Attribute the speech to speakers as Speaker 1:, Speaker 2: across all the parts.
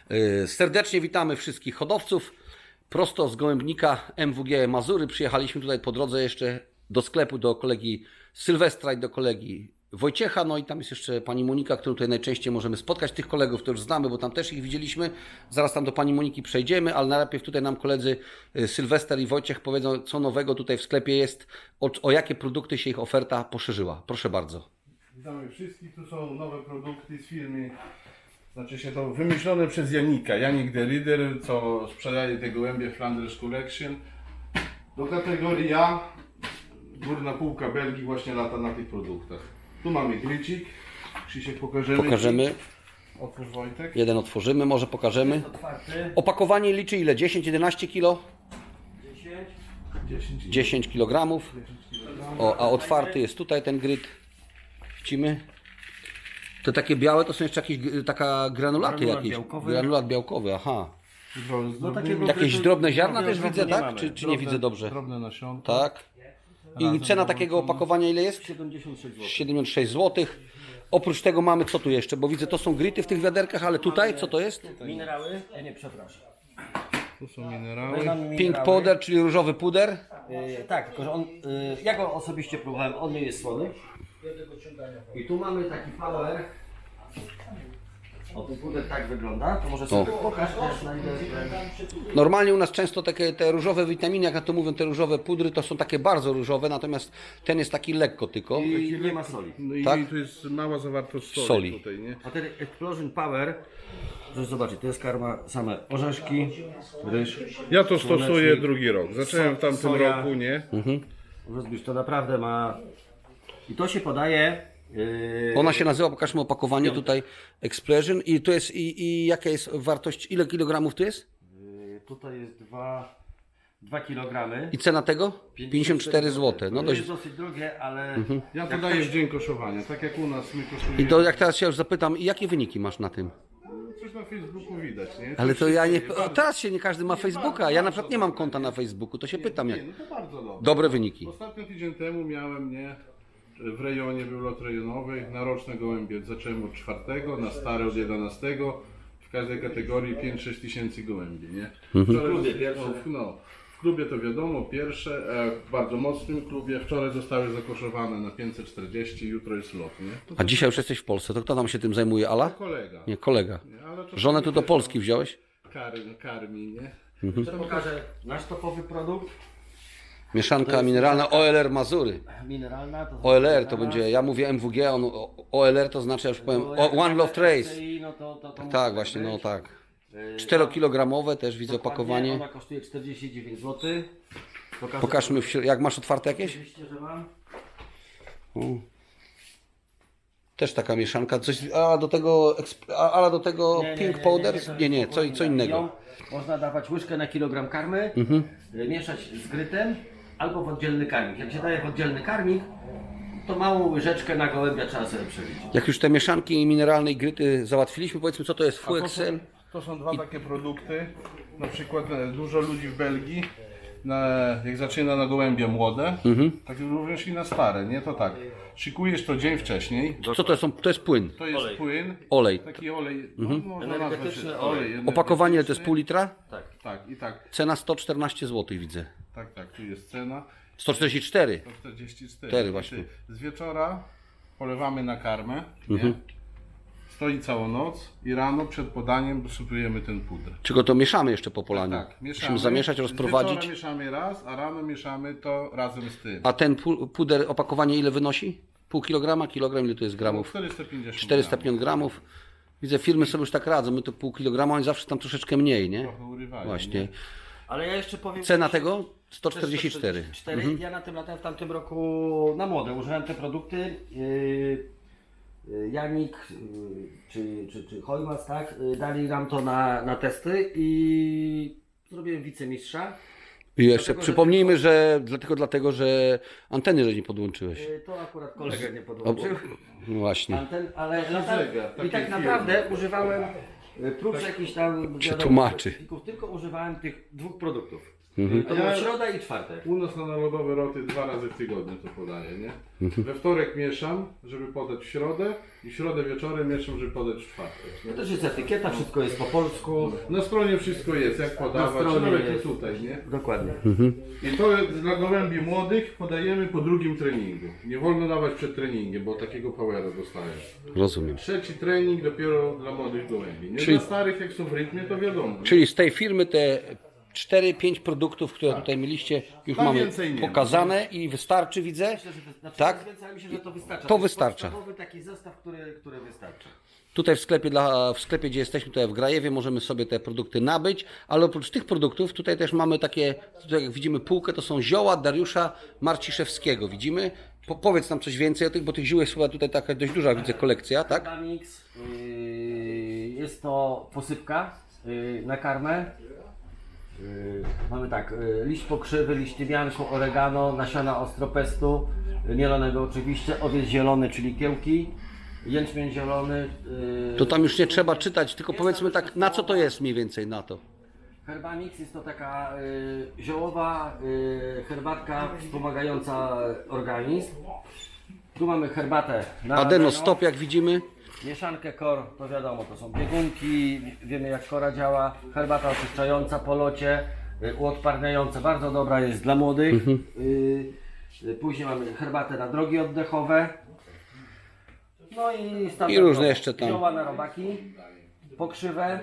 Speaker 1: Serdecznie witamy wszystkich hodowców. Prosto z Gołębnika MWG Mazury przyjechaliśmy tutaj po drodze jeszcze do sklepu do kolegi Sylwestra i do kolegi Wojciecha. No i tam jest jeszcze pani Monika, którą tutaj najczęściej możemy spotkać. Tych kolegów to już znamy, bo tam też ich widzieliśmy. Zaraz tam do pani Moniki przejdziemy, ale najpierw tutaj nam koledzy Sylwester i Wojciech powiedzą, co nowego tutaj w sklepie jest, o jakie produkty się ich oferta poszerzyła. Proszę bardzo.
Speaker 2: Witamy wszystkich, tu są nowe produkty z firmy, znaczy się to wymyślone przez Janika, Janik the Reader, co sprzedaje te gołębie Flanders Collection. Do kategorii A, górna półka Belgii właśnie lata na tych produktach. Tu mamy grycik, Krzysiek pokażemy. Otwórz Wojtek.
Speaker 1: Jeden otworzymy, może pokażemy.
Speaker 3: Otwarty.
Speaker 1: Opakowanie liczy ile? 10-11 kg?
Speaker 3: 10.
Speaker 1: 10 kg. O, a otwarty jest tutaj ten gryt. Widzimy? Te takie białe to są jeszcze jakieś taka granulaty
Speaker 3: Granulat
Speaker 1: jakieś.
Speaker 3: białkowy.
Speaker 1: Granulat białkowy, aha.
Speaker 3: No takiego
Speaker 1: Jakieś
Speaker 3: grytu-
Speaker 1: drobne ziarna też
Speaker 2: Drobne
Speaker 1: widzę,
Speaker 2: nie
Speaker 1: tak?
Speaker 2: mamy.
Speaker 1: Czy nie
Speaker 2: Drobne-
Speaker 1: widzę dobrze?
Speaker 2: Drobne nasionka.
Speaker 1: Tak. I
Speaker 2: Razem
Speaker 1: cena
Speaker 2: dołączone.
Speaker 1: takiego opakowania ile jest?
Speaker 3: 76 zł.
Speaker 1: 76 zł. Oprócz tego mamy co tu jeszcze? Bo widzę to są gryty w tych wiaderkach, ale tutaj co to jest?
Speaker 3: Minerały? Nie, przepraszam.
Speaker 2: Tu są minerały.
Speaker 1: Pink powder, czyli różowy puder.
Speaker 3: Tak, tylko że on, ja go osobiście próbowałem, on nie jest słony. I tu mamy taki power. O, ten puder tak wygląda, to może sobie pokaż też na ile.
Speaker 1: Normalnie u nas często takie te różowe witaminy, jak na to mówią, te różowe pudry, to są takie bardzo różowe, natomiast ten jest taki lekko tylko.
Speaker 3: I nie ma soli.
Speaker 2: No i
Speaker 1: Tak?
Speaker 2: tu jest mała zawartość soli,
Speaker 1: Soli.
Speaker 2: tutaj, nie?
Speaker 3: A ten Explosion Power, proszę zobaczyć, to jest karma same orzeszki, ryż.
Speaker 2: Ja to stosuję
Speaker 3: Słonecznik,
Speaker 2: drugi rok. Zacząłem w tamtym
Speaker 3: soja.
Speaker 2: roku, nie?
Speaker 3: Rozbić, to naprawdę ma. I to się podaje.
Speaker 1: Ona się nazywa, pokażmy opakowanie tutaj, Explosion i to jest, i jaka jest wartość, ile kilogramów tu jest?
Speaker 3: Tutaj jest 2 kg.
Speaker 1: I cena tego? 54 zł. No
Speaker 3: To
Speaker 1: dość.
Speaker 3: jest dosyć drogie, ale
Speaker 2: Ja to daję w dzień koszowania, tak jak u nas my koszujemy.
Speaker 1: I to jak teraz się już zapytam, jakie wyniki masz na tym?
Speaker 2: Coś na Facebooku widać, nie?
Speaker 1: Ale
Speaker 2: Coś
Speaker 1: to
Speaker 2: się
Speaker 1: ja nie.
Speaker 2: dzieje.
Speaker 1: O, teraz się nie każdy ma Facebooka. Ja na przykład nie mam konta na Facebooku, to się pytam jak.
Speaker 2: Nie, no to bardzo dobrze.
Speaker 1: Dobre wyniki.
Speaker 2: Ostatnio tydzień temu miałem, nie? W rejonie był lot rejonowy, na roczne gołębie zacząłem od 4, na stare od 11. W każdej kategorii 5-6 tysięcy gołębi, nie? W
Speaker 3: klubie pierwsze.
Speaker 2: W klubie to wiadomo, pierwsze, w bardzo mocnym klubie. Wczoraj zostały zakoszowane na 540, jutro jest lot, nie? To
Speaker 1: A dzisiaj już jesteś w Polsce, to kto nam się tym zajmuje? Ala?
Speaker 2: kolega.
Speaker 1: Nie, kolega.
Speaker 2: Nie, ale czasami
Speaker 1: Żonę tu do
Speaker 2: też
Speaker 1: Polski wziąłeś?
Speaker 2: karmi, nie?
Speaker 3: jeszcze pokażę nasz topowy produkt.
Speaker 1: Mieszanka mineralna OLR Mazury.
Speaker 3: Mineralna. To
Speaker 1: OLR to będzie, ja mówię MWG, on OLR to znaczy, ja już powiem, One Love Trace.
Speaker 3: No to
Speaker 1: Tak, właśnie, no tak. 4-kilogramowe też widzę opakowanie.
Speaker 3: Ona kosztuje 49 zł.
Speaker 1: Pokażmy, jak masz otwarte jakieś?
Speaker 3: Oczywiście, że mam.
Speaker 1: Też taka mieszanka, coś, a do tego Pink Powder? Nie, co innego.
Speaker 3: Ją można dawać łyżkę na kilogram karmy, mieszać z grytem albo w oddzielny karmik. Jak się daje w oddzielny karmik, to małą łyżeczkę na gołębia trzeba sobie przeliczyć.
Speaker 1: Jak już te mieszanki mineralne i gryty załatwiliśmy, powiedzmy co to jest Full
Speaker 2: To
Speaker 1: Excel.
Speaker 2: są dwa takie produkty. Na przykład dużo ludzi w Belgii, jak zaczyna na gołębie młode, tak również i na stare, nie? To tak. Szykujesz to dzień wcześniej.
Speaker 1: Co to są? To jest płyn,
Speaker 2: To jest płyn.
Speaker 1: olej.
Speaker 2: Taki olej, no, można nazwać
Speaker 3: Energetyczny
Speaker 2: olej.
Speaker 3: olej.
Speaker 1: Opakowanie to jest pół litra,
Speaker 2: Tak, i tak.
Speaker 1: cena 114 zł widzę.
Speaker 2: Tak, tu jest cena.
Speaker 1: 144.
Speaker 2: 144.
Speaker 1: właśnie.
Speaker 2: Z wieczora polewamy na karmę, nie? Stoi całą noc i rano przed podaniem dosypujemy ten puder.
Speaker 1: Czego to mieszamy jeszcze po polaniu?
Speaker 2: Tak,
Speaker 1: Musimy zamieszać,
Speaker 2: Z
Speaker 1: rozprowadzić.
Speaker 2: wieczora mieszamy raz, a rano mieszamy to razem z tym.
Speaker 1: A ten puder, opakowanie ile wynosi? Pół kilograma? Kilogram ile to jest gramów?
Speaker 2: 450
Speaker 1: 405 gramów. Widzę, firmy sobie już tak radzą, my to pół kilograma, oni zawsze tam troszeczkę mniej, nie?
Speaker 2: Trochę urywają,
Speaker 1: Właśnie.
Speaker 2: nie?
Speaker 3: Ale ja jeszcze powiem.
Speaker 1: Cena tego? 144.
Speaker 3: Ja na tym latem w tamtym roku na młode użyłem te produkty. Janik czy Hojmas, tak? Dali nam to na testy i zrobiłem wicemistrza.
Speaker 1: I jeszcze
Speaker 3: Dlatego, że
Speaker 1: przypomnijmy, że dlatego, że anteny, że nie podłączyłeś.
Speaker 3: To akurat kolega nie podłączył.
Speaker 1: No właśnie.
Speaker 3: Anten, ale
Speaker 2: zegar,
Speaker 3: i
Speaker 2: takiej
Speaker 3: tak
Speaker 2: firmy.
Speaker 3: naprawdę używałem prócz jakichś tam
Speaker 1: Przetłumaczy.
Speaker 3: specyfików, tylko używałem tych dwóch produktów.
Speaker 1: Mhm.
Speaker 3: To była środa i czwartek.
Speaker 2: U nas na narodowe roty 2 razy w tygodniu to podaje, nie? We wtorek mieszam, żeby podać w środę i w środę wieczorem mieszam, żeby podać w czwartek.
Speaker 3: To też jest etykieta, wszystko jest po polsku.
Speaker 2: Na stronie wszystko jest, jak podawać,
Speaker 3: stronie
Speaker 2: nawet
Speaker 3: jest.
Speaker 2: i tutaj, nie?
Speaker 3: Dokładnie.
Speaker 2: I to jest dla gołębi młodych podajemy po drugim treningu. Nie wolno dawać przed treningiem, bo takiego powera dostają.
Speaker 1: Rozumiem.
Speaker 2: Trzeci trening dopiero dla młodych gołębi. Nie
Speaker 1: Czyli-
Speaker 2: dla starych, jak są w rytmie, to wiadomo.
Speaker 1: Czyli z tej firmy te 4-5 produktów, które tutaj mieliście, już
Speaker 2: Tam
Speaker 1: mamy
Speaker 2: więcej nie ma.
Speaker 1: pokazane i wystarczy, widzę.
Speaker 3: Myślę, że to, znaczy,
Speaker 1: Tak?
Speaker 3: Wydaje mi się, że to wystarcza.
Speaker 1: To
Speaker 3: jest
Speaker 1: wystarcza.
Speaker 3: podstawowy taki zestaw, który wystarcza.
Speaker 1: Tutaj w sklepie, gdzie jesteśmy, tutaj w Grajewie, możemy sobie te produkty nabyć, ale oprócz tych produktów tutaj też mamy takie, tutaj jak widzimy półkę, to są zioła Dariusza Marciszewskiego, widzimy? Powiedz nam coś więcej o tych, bo tych ziół jest chyba tutaj taka dość duża, widzę, kolekcja, tak?
Speaker 3: Mix, jest to posypka na karmę. Mamy tak, liść pokrzywy, liść tymianku, oregano, nasiona ostropestu, mielonego oczywiście, owiec zielony, czyli kiełki, jęczmień zielony.
Speaker 1: To tam już nie trzeba czytać, tylko powiedzmy tak, na co to jest mniej więcej na to?
Speaker 3: Herbamix jest to taka ziołowa herbatka wspomagająca organizm. Tu mamy herbatę na
Speaker 1: Adeno stop, jak widzimy.
Speaker 3: mieszankę kor, to wiadomo, to są biegunki, wiemy jak kora działa, herbata oczyszczająca po locie, uodparniająca, bardzo dobra jest dla młodych. Później mamy herbatę na drogi oddechowe. No i
Speaker 1: I różne jeszcze tam.
Speaker 3: Zioła na robaki, pokrzywę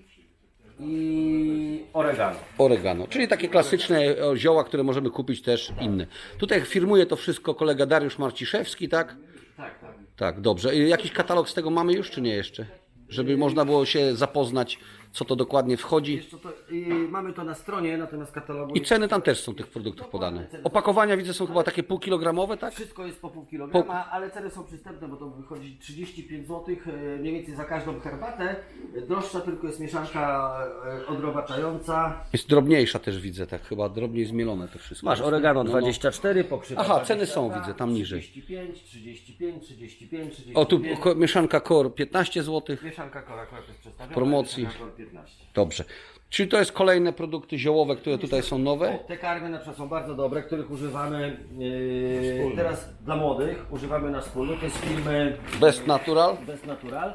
Speaker 3: i oregano.
Speaker 1: Oregano, czyli takie klasyczne zioła, które możemy kupić też inne. Tutaj firmuje to wszystko kolega Dariusz Marciszewski, tak?
Speaker 3: Tak, tak.
Speaker 1: Tak, dobrze. I jakiś katalog z tego mamy już, czy nie jeszcze? Żeby można było się zapoznać, co to dokładnie wchodzi.
Speaker 3: Wiesz co, mamy to na stronie, natomiast katalogu
Speaker 1: I ceny tam też są tych produktów podane. Opakowania widzę są chyba takie półkilogramowe, tak?
Speaker 3: wszystko jest po pół kilograma, ale ceny są przystępne, bo to wychodzi 35 zł mniej więcej za każdą herbatę. Droższa tylko jest mieszanka odrobaczająca.
Speaker 1: Jest drobniejsza też widzę, tak chyba drobniej zmielone to wszystko.
Speaker 3: Masz oregano
Speaker 1: No, no.
Speaker 3: 24, pokrzywa
Speaker 1: Aha, ceny
Speaker 3: 22,
Speaker 1: są, widzę, tam niżej.
Speaker 3: 35, 35, 35, 35.
Speaker 1: O, tu mieszanka Core 15 zł.
Speaker 3: Mieszanka kora akurat jest przedstawiona.
Speaker 1: Promocji.
Speaker 3: mieszanka kor 15.
Speaker 1: Dobrze. Czyli to jest kolejne produkty ziołowe, które tutaj są nowe?
Speaker 3: Te karmy na przykład są bardzo dobre, których używamy teraz dla młodych. Używamy na wspólny. To jest firmy
Speaker 1: Best Natural.
Speaker 3: Best Natural.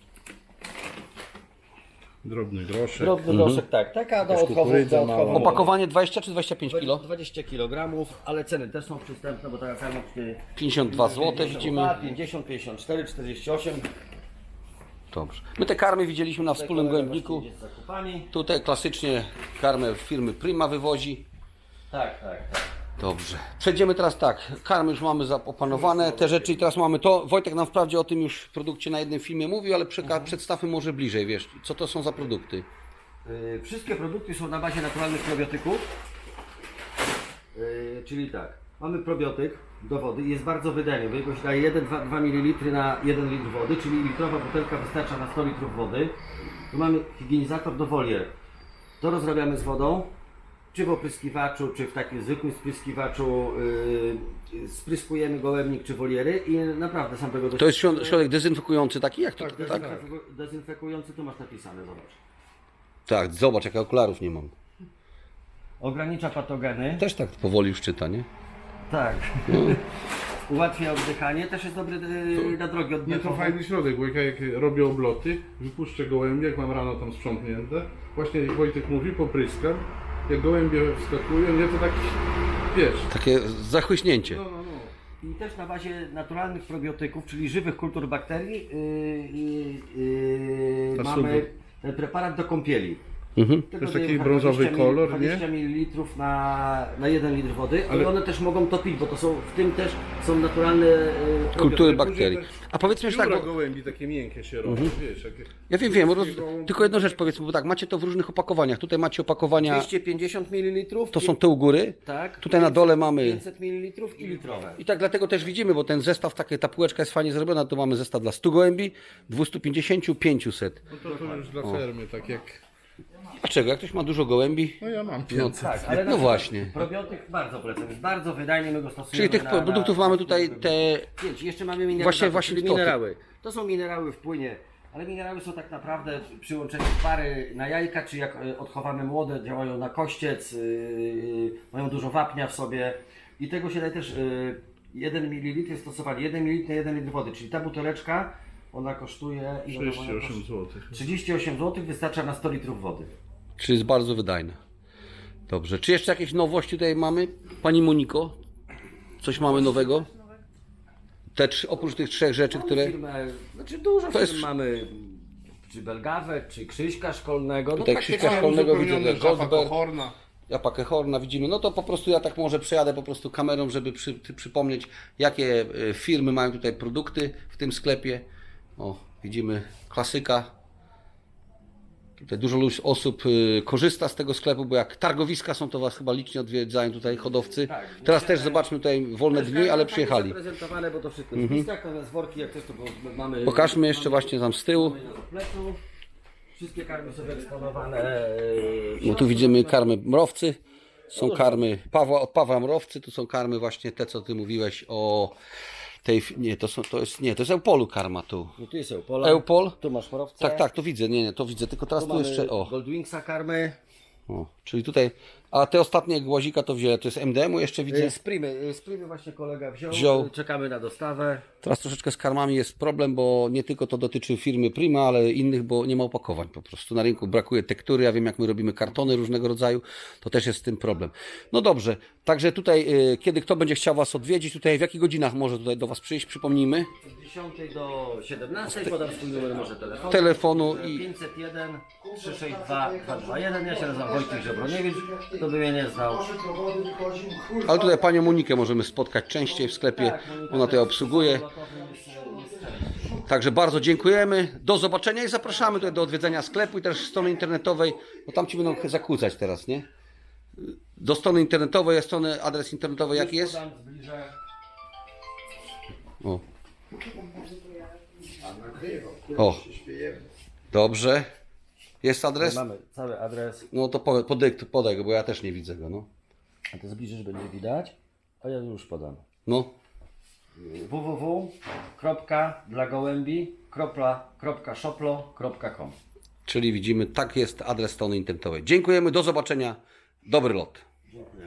Speaker 2: Drobny groszek.
Speaker 3: Drobny groszek, tak. Taka do odchowu.
Speaker 2: kukurydza mała.
Speaker 1: Opakowanie 20 czy 25 kg?
Speaker 3: 20 kg, ale ceny też są przystępne, bo taka karma
Speaker 1: 52 zł widzimy.
Speaker 3: 50, 54, 48.
Speaker 1: Dobrze. My te karmy widzieliśmy na wspólnym gołębniku.
Speaker 3: Jest zakupani.
Speaker 1: Tutaj klasycznie karmę firmy Prima wywozi.
Speaker 3: Tak, tak, tak.
Speaker 1: Dobrze. Przejdziemy teraz tak. Karmy już mamy opanowane, te rzeczy i teraz mamy to. Wojtek nam wprawdzie o tym już w produkcie na jednym filmie mówił, ale przedstawmy może bliżej, wiesz, co to są za produkty.
Speaker 3: Wszystkie produkty są na bazie naturalnych probiotyków. Czyli tak, mamy probiotyk do wody i jest bardzo wydajny, bo jego się daje 1-2 ml na 1 litr wody, czyli litrowa butelka wystarcza na 100 litrów wody. Tu mamy higienizator do wolier. To rozrabiamy z wodą, czy w opryskiwaczu, czy w takim zwykłym spryskiwaczu spryskujemy gołębnik czy woliery i naprawdę sam tego
Speaker 1: To jest środek dezynfekujący taki, jak to? Tak,
Speaker 3: Dezynfekujący, tu masz napisane, zobacz.
Speaker 1: tak, zobacz, jak ja okularów nie mam.
Speaker 3: Ogranicza patogeny.
Speaker 1: Też tak powoli już czyta, nie?
Speaker 3: Tak. Ułatwia oddychanie, też jest dobry na drogi
Speaker 2: Nie, to
Speaker 3: oddechowe.
Speaker 2: fajny środek, bo jak robię obloty, wypuszczę gołębie, jak mam rano tam sprzątnięte, właśnie jak Wojtek mówi, popryskam, jak gołębie wskakują, nie, to tak, wiesz,
Speaker 1: Takie zachłyśnięcie.
Speaker 2: no, no, no.
Speaker 3: I też na bazie naturalnych probiotyków, czyli żywych kultur bakterii, mamy
Speaker 2: super.
Speaker 3: ten preparat do kąpieli.
Speaker 1: Mhm.
Speaker 3: Tego
Speaker 2: To jest
Speaker 3: dajemy
Speaker 2: taki brązowy
Speaker 3: 20
Speaker 2: kolor, nie?
Speaker 3: 20 ml na 1 litr wody, ale
Speaker 2: Ale-
Speaker 3: one też mogą to pić, bo to są, w tym też są naturalne
Speaker 1: Kultury
Speaker 3: probiotyki.
Speaker 1: bakterii. A powiedzmy jeszcze tak,
Speaker 2: Pióra
Speaker 1: bo
Speaker 2: gołębi takie miękkie się robią, wiesz, jakie...
Speaker 1: ja wiem, tylko jedną rzecz powiedzmy, bo tak, macie to w różnych opakowaniach. Tutaj macie opakowania,
Speaker 3: 250 ml.
Speaker 1: to są te u góry.
Speaker 3: Tak.
Speaker 1: Tutaj na dole mamy.
Speaker 3: 500 ml i litrowe.
Speaker 1: I tak dlatego też widzimy, bo ten zestaw, ta półeczka jest fajnie zrobiona, to mamy zestaw dla 100 gołębi, 250, 500.
Speaker 2: No to już dla fermy, tak jak...
Speaker 1: Dlaczego? Jak ktoś ma dużo gołębi,
Speaker 2: No ja mam
Speaker 1: no,
Speaker 2: 500.
Speaker 3: Tak, ale
Speaker 1: no właśnie.
Speaker 3: probiotyk bardzo polecam, jest bardzo wydajny, my go stosujemy.
Speaker 1: Czyli tych produktów mamy tutaj te...
Speaker 3: 5. Jeszcze mamy minerały.
Speaker 1: Właśnie
Speaker 3: czyli
Speaker 1: to.
Speaker 3: minerały. To są minerały w płynie, ale minerały są tak naprawdę przy łączeniu pary na jajka, czy jak odchowamy młode, działają na kościec, mają dużo wapnia w sobie i tego się daje też 1 ml jest stosowanie 1 ml na 1 litr wody, czyli ta buteleczka, ona kosztuje... ile ona
Speaker 2: 38 zł.
Speaker 3: 38 zł, wystarcza na 100 litrów wody.
Speaker 1: Czyli jest bardzo wydajne. Dobrze. Czy jeszcze jakieś nowości tutaj mamy? Pani Moniko, coś mamy nowego? Oprócz tych 3 rzeczy, które...
Speaker 3: Firmę, znaczy dużo
Speaker 1: To jest-
Speaker 3: firm mamy, czy Belgawę, czy Krzyśka Szkolnego. No
Speaker 1: Tutaj
Speaker 3: takie
Speaker 1: Krzyśka
Speaker 3: tam-
Speaker 1: Szkolnego widzę,
Speaker 2: Uzupełnione
Speaker 1: że Goldberg,
Speaker 2: Horna.
Speaker 1: Japakę Horna widzimy. No to po prostu ja tak może przejadę po prostu kamerą, żeby przypomnieć, jakie firmy mają tutaj produkty w tym sklepie. O, widzimy klasyka. Tutaj dużo osób korzysta z tego sklepu, bo jak targowiska są, to Was chyba licznie odwiedzają tutaj hodowcy.
Speaker 3: Tak,
Speaker 1: Teraz też zobaczmy tutaj wolne dni, ale przyjechali.
Speaker 3: Zaprezentowane, bo to wszystko jest w listach, natomiast worki jak też to mamy...
Speaker 1: Pokażmy jeszcze właśnie tam z tyłu.
Speaker 3: mamy na plecu. Wszystkie karmy są eksponowane.
Speaker 1: No tu widzimy karmy mrowcy. Są karmy od Pawła Mrowcy, tu są karmy właśnie te, co Ty mówiłeś o tej... Nie, to jest Eupolu karma tu.
Speaker 3: No tu jest Eupola.
Speaker 1: Eupol?
Speaker 3: Tu masz Mrowce.
Speaker 1: Tak, to widzę, to widzę, tylko teraz
Speaker 3: Tu
Speaker 1: tu
Speaker 3: mamy
Speaker 1: jeszcze,
Speaker 3: Goldwingsa karmy.
Speaker 1: czyli tutaj, a te ostatnie głazika to wzięłem, to jest MDM-u jeszcze widzę.
Speaker 3: Sprimy właśnie kolega
Speaker 1: Wziął.
Speaker 3: wziął. Czekamy na dostawę.
Speaker 1: Teraz troszeczkę z karmami jest problem, bo nie tylko to dotyczy firmy Prima, ale innych, bo nie ma opakowań po prostu. Na rynku brakuje tektury, ja wiem jak my robimy kartony różnego rodzaju, to też jest z tym problem. No dobrze, także tutaj, kiedy kto będzie chciał Was odwiedzić, tutaj w jakich godzinach może tutaj do Was przyjść, przypomnijmy.
Speaker 3: Od 10 do 17 podam swój numer może
Speaker 1: Telefonu i
Speaker 3: 501 362 221. Ja się nazywam Wojciech Żebroniewicz, kto by mnie nie znał.
Speaker 1: ale tutaj Panią Monikę możemy spotkać częściej w sklepie, ona tutaj obsługuje. Także bardzo dziękujemy, do zobaczenia i zapraszamy tutaj do odwiedzenia sklepu i też strony internetowej, bo tam Ci będą zakłócać teraz, nie? Do strony internetowej, adres internetowy jaki jest?
Speaker 3: Podam, zbliżę.
Speaker 1: O, dobrze, jest adres?
Speaker 3: Mamy cały adres.
Speaker 1: No to podaj go, bo ja też nie widzę go, no.
Speaker 3: A to zbliżysz, będzie widać. A ja już podam.
Speaker 1: No,
Speaker 3: www.dlagołębi.shoplo.com.
Speaker 1: czyli widzimy, tak jest adres strony internetowej. Dziękujemy, do zobaczenia, dobry lot.
Speaker 3: Dziękuję.